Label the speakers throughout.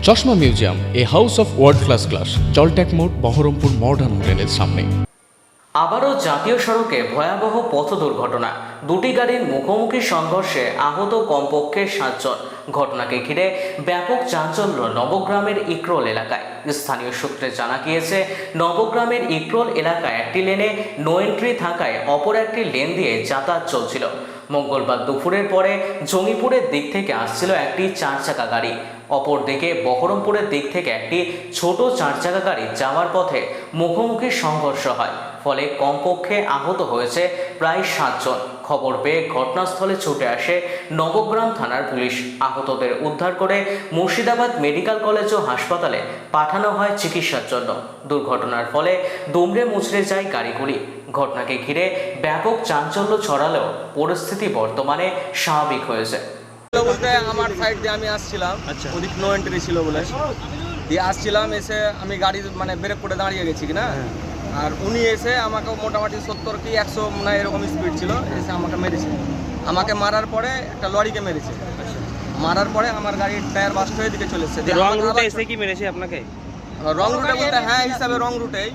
Speaker 1: চশমা museum, a house of world class, জলট্যাক মোড়, বহরমপুর মডার্ন হোটেলের সামনে।
Speaker 2: আবারও জাতীয় সড়কে ভয়াবহ পথ দুর্ঘটনা, দুটি গাড়ির মুখোমুখি সংঘর্ষে আহত কমপক্ষে 7 জন। ঘটনাকে ঘিরে ব্যাপক চাঞ্চল্য নবগ্রামের ইকরোল এলাকায়। স্থানীয় সূত্রে জানা গিয়েছে, নবগ্রামের ইকরোল এলাকায় একটি লেনে নো এন্ট্রি থাকায় অপর একটি লেন দিয়ে যাতায়াত চলছিল। মঙ্গলবার দুপুরের পরে জঙ্গিপুরের দিক থেকে আসছিল একটি 4 চাকা গাড়ি, অপরদিকে বহরমপুরের দিক থেকে একটি ছোট 4 চাকা গাড়ি যাওয়ার পথে মুখোমুখি সংঘর্ষ হয়, ফলে কমপক্ষে আহত হয়েছে প্রায় 7 জন। খবর পেয়ে ঘটনাস্থলে ছুটে আসে নবগ্রাম থানার পুলিশ। আহতদের উদ্ধার করে মুর্শিদাবাদ মেডিকেল কলেজ ও হাসপাতালে পাঠানো হয় চিকিৎসার জন্য। দুর্ঘটনার ফলে দুমড়ে মুচড়ে যায় গাড়িগুলি। ঘটনাকে ঘিরে ব্যাপক চাঞ্চল্য ছড়ালেও পরিস্থিতি বর্তমানে স্বাভাবিক হয়েছে।
Speaker 3: বলতে আমার সাইড দিয়ে আমি আসছিলাম, ওদিক নো এন্ট্রি ছিল বলে দিয়ে আসছিলাম, এসে আমি গাড়ি মানে ব্রেক করে দাঁড়িয়ে গেছি কিনা, আর উনি এসে আমাকে মোটামুটি 70 কি 100 না এরকম স্পিড ছিল, এসে আমাকে মেরেছে। আমাকে মারার পরে একটা লরিকে মেরেছে। মারার পরে আমার গাড়ির টায়ার বাস্ট হয়ে দিকে চলে এসেছে।
Speaker 4: রং রুটে এসে কি মেরেছে আপনাকে?
Speaker 3: রং রুটে বলতে হ্যাঁ হিসাবে রং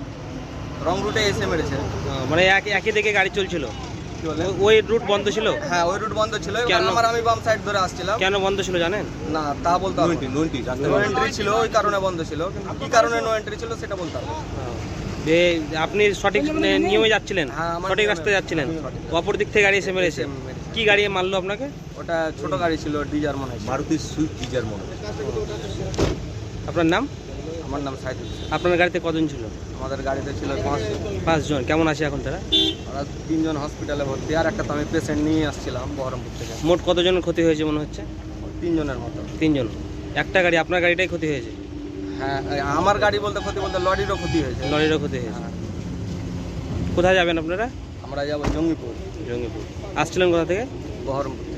Speaker 3: রুটে এসে মেরেছে।
Speaker 4: মানে একই দিকে গাড়ি চলছিল, ওই রুট বন্ধ ছিল?
Speaker 3: হ্যাঁ, ওই রুট বন্ধ ছিল। আমি বাম সাইড ধরে আসছিলাম।
Speaker 4: কেন বন্ধ ছিল জানেন?
Speaker 3: না, তা বলতে হবে। নো এন্ট্রি ছিল, ওই কারণে বন্ধ ছিল, কিন্তু কি কারণে নো এন্ট্রি ছিল সেটা বলতে হবে।
Speaker 4: যে আপনি সঠিক নিয়মে যাচ্ছিলেন,
Speaker 3: হ্যাঁ,
Speaker 4: সঠিক রাস্তায় যাচ্ছিলেন, অপর দিক থেকে গাড়ি এসে মেরেছে। কি গাড়ি মারলো আপনাকে?
Speaker 3: ওটা ছোট গাড়ি ছিল, ডিজার মনে হয়, মারুতি সুইফট ডিজার মনে হয়।
Speaker 4: আপনার নাম?
Speaker 3: আমার নাম সাইদুল।
Speaker 4: আপনার গাড়িতে কজন ছিল?
Speaker 3: আমাদের গাড়িতে ছিল
Speaker 4: 5 জন। কেমন আছে এখন তারা?
Speaker 3: ওরা 3 জন হসপিটালে ভর্তি, আর একটা তো আমি পেশেন্ট নিয়ে আসছিলাম বহরমপুর থেকে।
Speaker 4: মোট কতজনের ক্ষতি হয়েছে মনে হচ্ছে?
Speaker 3: 3 জনের মতো।
Speaker 4: 3 জন। একটা গাড়ি, আপনার গাড়িটাই ক্ষতি হয়েছে?
Speaker 3: হ্যাঁ, আমার গাড়ি বলতে লরিরও ক্ষতি হয়েছে।
Speaker 4: লরিরও ক্ষতি হয়েছে। কোথায় যাবেন আপনারা?
Speaker 3: আমরা যাবো জঙ্গিপুর।
Speaker 4: জঙ্গিপুর। আসছিলেন কোথা থেকে?
Speaker 3: বহরমপুর।